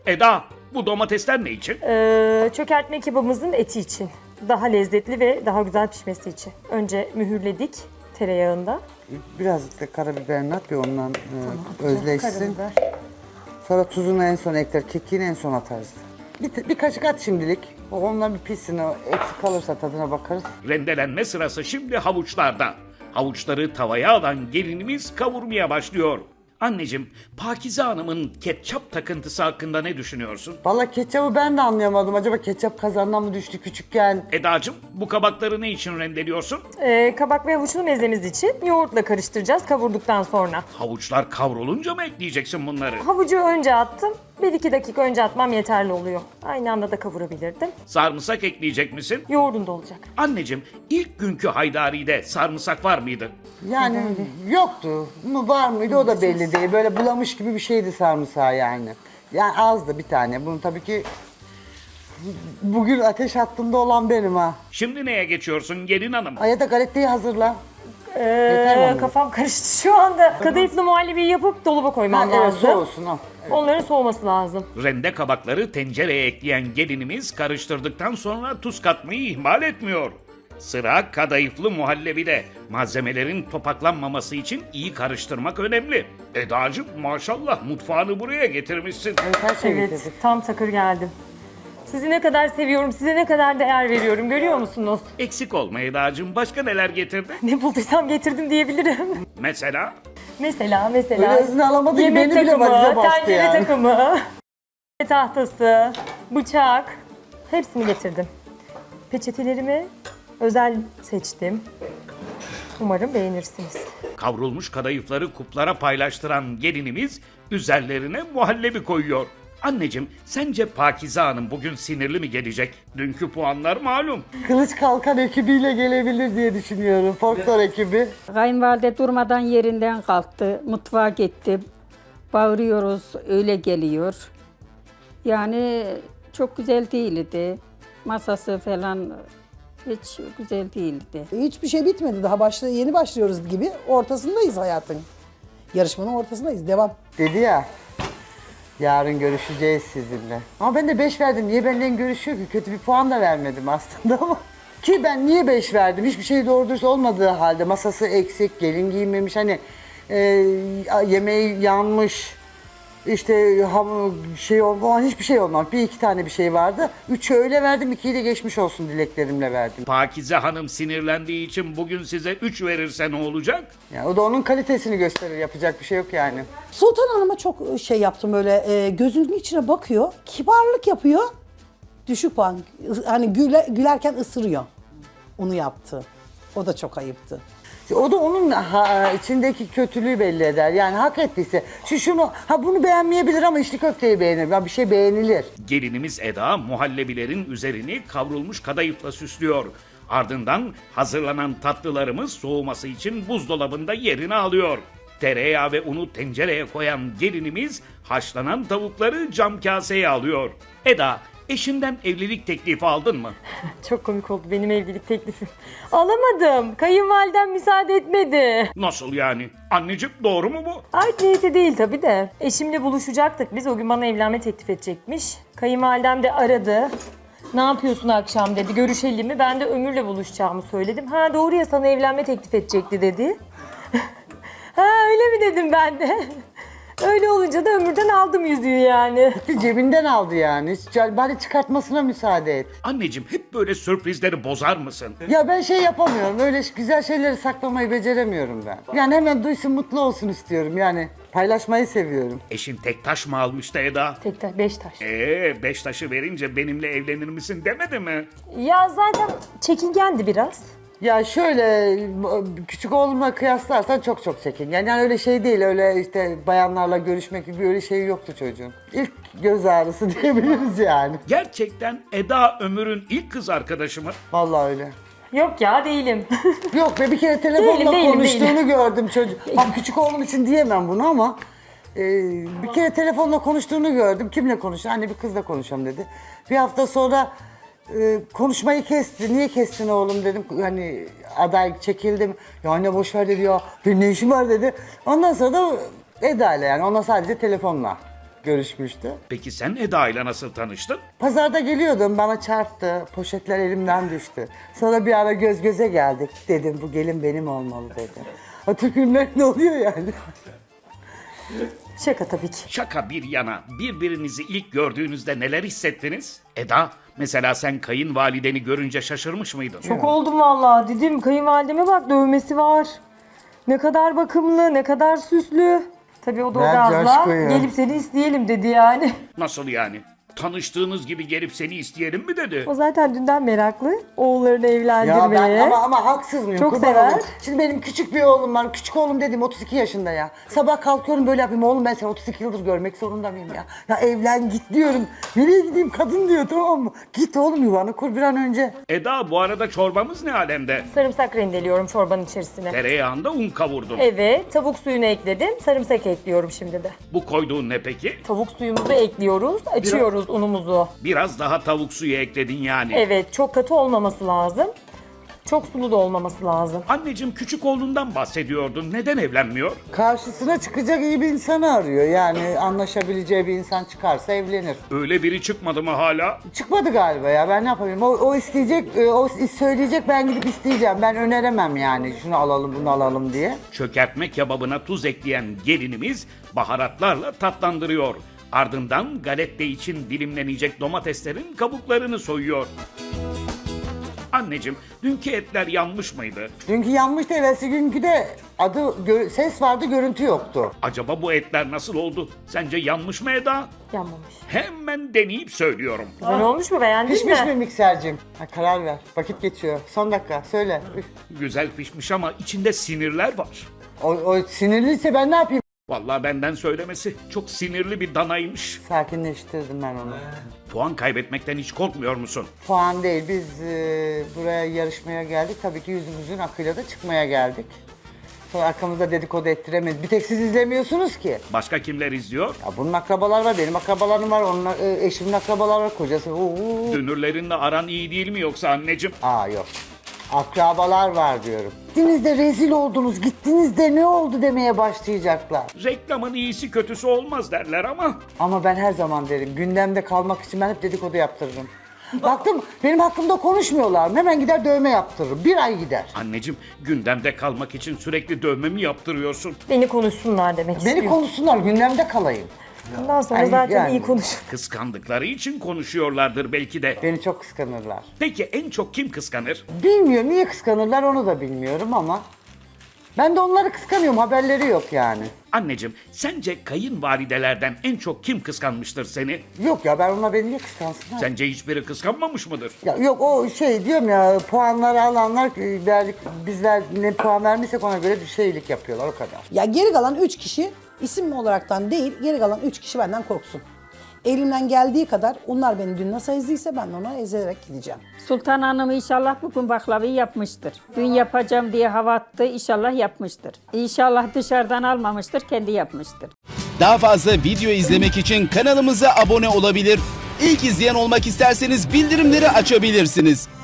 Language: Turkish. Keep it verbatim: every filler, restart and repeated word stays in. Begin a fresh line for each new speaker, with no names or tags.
Eda, bu domatesler ne için?
Ee, çökertme kebabımızın eti için. Daha lezzetli ve daha güzel pişmesi için. Önce mühürledik tereyağında.
Biraz da karabiberini at bir ondan e, özleşsin.
Karabiber.
Sonra tuzunu en son ekler, kekiğini en son atarız. Bir, bir kaşık at şimdilik. O ondan bir pişsin, o eksik kalırsa tadına bakarız.
Rendelenme sırası şimdi havuçlarda. Havuçları tavaya alan gelinimiz kavurmaya başlıyor. Anneciğim, Pakize Hanım'ın ketçap takıntısı hakkında ne düşünüyorsun?
Vallahi ketçabı ben de anlayamadım. Acaba ketçap kazandan mı düştü küçükken?
Edacığım, bu kabakları ne için rendeliyorsun?
Ee, kabak ve havuçlu mezemiz için yoğurtla karıştıracağız kavurduktan sonra.
Havuçlar kavrulunca mı ekleyeceksin bunları?
Havucu önce attım. bir iki dakika önce atmam yeterli oluyor. Aynı anda da kavurabilirdim.
Sarımsak ekleyecek misin?
Yoğurdun olacak.
Anneciğim, ilk günkü Haydari'de sarımsak var mıydı?
Yani yoktu. Mu var mıydı o da belli değil. Böyle bulamış gibi bir şeydi sarımsağı yani. Yani azdı bir tane. Bunu tabii ki bugün ateş hattında olan benim ha.
Şimdi neye geçiyorsun gelin hanım?
Aya da galetteyi hazırla. Yeter mi
Ee,
onun?
kafam karıştı şu anda. Kadayıflı muhallebiyi yapıp dolaba
Ha,
koymam
evet,
lazım.
soğusun o. Evet.
Onların soğuması lazım.
Rende kabakları tencereye ekleyen gelinimiz karıştırdıktan sonra tuz katmayı ihmal etmiyor. Sıra kadayıflı muhallebide. Malzemelerin topaklanmaması için iyi karıştırmak önemli. Edacığım, maşallah mutfağını buraya getirmişsin.
Evet, her şeyi
Evet,
getirdik.
tam takır geldim. Sizi ne kadar seviyorum, size ne kadar değer veriyorum görüyor musunuz?
Eksik olma Edacığım, başka neler getirdi?
Ne bulduysam getirdim diyebilirim.
Mesela
Mesela, mesela.
Öyle izin alamadı ki,
yemek
beni bile
takımı,
valize bastı
tencere
yani.
takımı, tahtası, bıçak. Hepsini getirdim. Peçetelerimi özel seçtim. Umarım beğenirsiniz.
kavrulmuş kadayıfları kuplara paylaştıran gelinimiz üzerlerine muhallebi koyuyor. Anneciğim, sence Pakize Hanım bugün sinirli mi gelecek? Dünkü puanlar malum.
Kılıç Kalkan ekibiyle gelebilir diye düşünüyorum. Folklor ekibi.
Kayınvalide durmadan yerinden kalktı, mutfağa gitti. Bağırıyoruz, öyle geliyor. Yani çok güzel değildi. Masası falan hiç güzel değildi.
Hiçbir şey bitmedi. Daha başla, yeni başlıyoruz gibi. Ortasındayız hayatın. Yarışmanın ortasındayız. Devam.
Dedi ya, yarın görüşeceğiz sizinle. Ama ben de beş verdim. Niye benimle görüşüyor ki? Kötü bir puan da vermedim aslında ama. Ki ben niye beş verdim? Hiçbir şey doğru dürüst olmadığı halde. Masası eksik, gelin giyinmemiş. Hani e, yemeği yanmış. İşte hamur şey olmamış, hiçbir şey olmamış. Bir iki tane bir şey vardı. Üçü öyle verdim, ikiyi de geçmiş olsun dileklerimle verdim.
Pakize Hanım sinirlendiği için bugün size üç verirse ne olacak?
Yani o da onun kalitesini gösterir. Yapacak bir şey yok yani.
Sultan Hanım'a çok şey yaptım böyle e, gözünün içine bakıyor. Kibarlık yapıyor. Düşük puan. Hani güle, gülerken ısırıyor. Onu yaptı. O da çok ayıptı.
O da onun ha, içindeki kötülüğü belli eder. Yani hak ettiyse. Şu şunu, ha bunu beğenmeyebilir ama içli köfteyi beğenir. Ya bir şey beğenilir.
Gelinimiz Eda muhallebilerin üzerini kavrulmuş kadayıfla süslüyor. Ardından hazırlanan tatlılarımız soğuması için buzdolabında yerini alıyor. Tereyağı ve unu tencereye koyan gelinimiz haşlanan tavukları cam kaseye alıyor. Eda, eşinden evlilik teklifi aldın mı?
Çok komik oldu benim evlilik teklifim. Alamadım. Kayınvalidem müsaade etmedi.
Nasıl yani? Anneciğim, doğru mu bu?
Art niyeti değil tabii de. Eşimle buluşacaktık. Biz o gün bana evlenme teklif edecekmiş. Kayınvalidem de aradı. Ne yapıyorsun akşam dedi. Görüşelim mi? Ben de Ömür'le buluşacağımı söyledim. Ha doğru ya sana evlenme teklif edecekti dedi. Ha öyle mi dedim ben de. Öyle olunca da Ömür'den aldım yüzüğü yani.
Cebinden aldı yani. Hiç, bari çıkartmasına müsaade et.
Anneciğim, hep böyle sürprizleri bozar mısın?
Ya ben şey yapamıyorum. Öyle güzel şeyleri saklamayı beceremiyorum ben. Yani hemen duysun, mutlu olsun istiyorum. Yani paylaşmayı seviyorum.
Eşin tek taş mı almıştı Eda?
Tek taş, beş taş.
Ee, beş taşı verince benimle evlenir misin demedi mi?
Ya zaten çekingendi biraz.
Ya şöyle küçük oğlumla kıyaslarsan çok çok çekin. Yani, yani öyle şey değil, öyle işte bayanlarla görüşmek gibi öyle şey yoktu çocuğun. İlk göz ağrısı diyebiliriz yani.
Gerçekten Eda Ömür'ün ilk kız arkadaşı mı?
Vallahi öyle.
Yok ya değilim.
Yok be, bir kere telefonla
Değilim, değilim,
konuştuğunu
değilim.
gördüm çocuk. Bak küçük oğlum için diyemem bunu ama e, bir kere telefonla konuştuğunu gördüm. Kimle konuştu? Anne bir kızla konuşalım dedi. Bir hafta sonra e, konuşmayı kesti. Niye kestin oğlum dedim. Hani aday çekildim. Ya anne boş ver dedi ya. Benim ne işim var dedi. Ondan sonra da Eda ile yani ona sadece telefonla. görüşmüştü.
Peki sen Eda ile nasıl tanıştın?
Pazarda geliyordum, bana çarptı. Poşetler elimden düştü. Sonra bir ara göz göze geldik. Dedim bu gelin benim olmalı dedim. O tükürmek ne oluyor yani?
Şaka tabii ki.
Şaka bir yana birbirinizi ilk gördüğünüzde neler hissettiniz? Eda, mesela sen kayınvalideni görünce şaşırmış mıydın?
Çok oldum vallahi dedim. Kayınvalideme bak, dövmesi var. Ne kadar bakımlı, ne kadar süslü. Tabii o da o
Ben
gazla
coşkuyum.
gelip seni isteyelim dedi yani.
Nasıl yani? Tanıştığınız gibi gelip seni isteyelim mi dedi?
O zaten dünden meraklı oğullarını
Ya
evlendirmeye.
ben ama ama haksız mıyım?
Çok
Kurban
sever.
olayım. Şimdi benim küçük bir oğlum var. Küçük oğlum dedim otuz iki yaşında ya. Sabah kalkıyorum böyle yapayım. Oğlum ben seni otuz iki yıldır görmek zorunda mıyım ya? Ya evlen git diyorum. Nereye gideyim kadın diyor, tamam mı? Git oğlum yuvanı kur bir an önce.
Eda, bu arada çorbamız ne alemde?
Sarımsak rendeliyorum çorbanın içerisine.
Tereyağında un kavurdun.
Evet, tavuk suyunu ekledim. Sarımsak ekliyorum şimdi de.
Bu koyduğun ne peki?
Tavuk suyumuzu ekliyoruz, açıyoruz unumuzu.
Biraz daha tavuk suyu ekledin yani.
Evet, çok katı olmaması lazım. Çok sulu da olmaması lazım.
Anneciğim, küçük oğlundan bahsediyordun. Neden evlenmiyor?
Karşısına çıkacak iyi bir insanı arıyor. Yani anlaşabileceği bir insan çıkarsa evlenir.
Öyle biri çıkmadı mı hala?
Çıkmadı galiba ya, ben ne yapayım? O, o isteyecek, e, o söyleyecek, ben gidip isteyeceğim. Ben öneremem yani şunu alalım bunu alalım diye.
Çökertme kebabına tuz ekleyen gelinimiz baharatlarla tatlandırıyor. Ardından galette için dilimlenecek domateslerin kabuklarını soyuyor. Anneciğim, dünkü etler yanmış mıydı?
Dünkü yanmıştı, evvelsi günkü de adı gö- ses vardı, görüntü yoktu.
Acaba bu etler nasıl oldu? Sence yanmış mı Eda?
Yanmamış.
Hemen deneyip söylüyorum.
Güzel olmuş mu? Beğendin
Pişmiş
mi?
mi miksercim? Ha, karar ver. Vakit geçiyor. Son dakika. Söyle. Üf.
Güzel pişmiş ama içinde sinirler var.
O, o sinirliyse ben ne yapayım?
Vallahi benden söylemesi, çok sinirli bir danaymış.
Sakinleştirdim ben onu.
Puan kaybetmekten hiç korkmuyor musun?
Puan değil. Biz e, buraya yarışmaya geldik. Tabii ki yüzümüzün akıyla da çıkmaya geldik. Sonra arkamızda dedikodu ettiremeyiz. Bir tek siz izlemiyorsunuz ki.
Başka kimler izliyor?
Ya bunun akrabalar var, benim akrabalarım var, onun e, eşimin akrabaları var, kocası. Oo.
Dünürlerinle aran iyi değil mi yoksa anneciğim?
Aa yok. Akrabalar var diyorum. Gittiniz de rezil oldunuz, gittiniz de ne oldu demeye başlayacaklar.
Reklamın iyisi kötüsü olmaz derler ama.
Ama ben her zaman derim, gündemde kalmak için ben hep dedikodu yaptırırım. Baktım benim hakkımda konuşmuyorlar. Hemen gider dövme yaptırırım. Bir ay gider.
Anneciğim, gündemde kalmak için sürekli dövme mi yaptırıyorsun?
Beni konuşsunlar demek
Beni
istiyor.
konuşsunlar, gündemde kalayım.
Bundan sonra
Ay,
zaten
yani.
iyi konuş.
Kıskandıkları için konuşuyorlardır belki de.
Beni çok kıskanırlar.
Peki en çok kim kıskanır?
Bilmiyorum niye kıskanırlar onu da bilmiyorum ama ben de onları kıskanıyorum, haberleri yok yani.
Anneciğim, sence kayınvalidelerden en çok kim kıskanmıştır seni?
Yok ya, ben ona beni niye kıskansınlar?
Sence hiçbiri kıskanmamış mıdır?
Ya yok, o şey diyorum ya, puanları alanlar e, verdik, bizler ne puan vermişsek ona göre bir şeylik yapıyorlar, o kadar.
Ya geri kalan üç kişi isim olaraktan değil, geri kalan üç kişi benden korksun. Elimden geldiği kadar onlar beni dün nasıl ezdiyse ben de ona ezerek gideceğim.
Sultan Hanım inşallah bugün baklavayı yapmıştır. Dün yapacağım diye hava attı, inşallah yapmıştır. İnşallah dışarıdan almamıştır, kendi yapmıştır.
Daha fazla video izlemek için kanalımıza abone olabilir. İlk izleyen olmak isterseniz bildirimleri açabilirsiniz.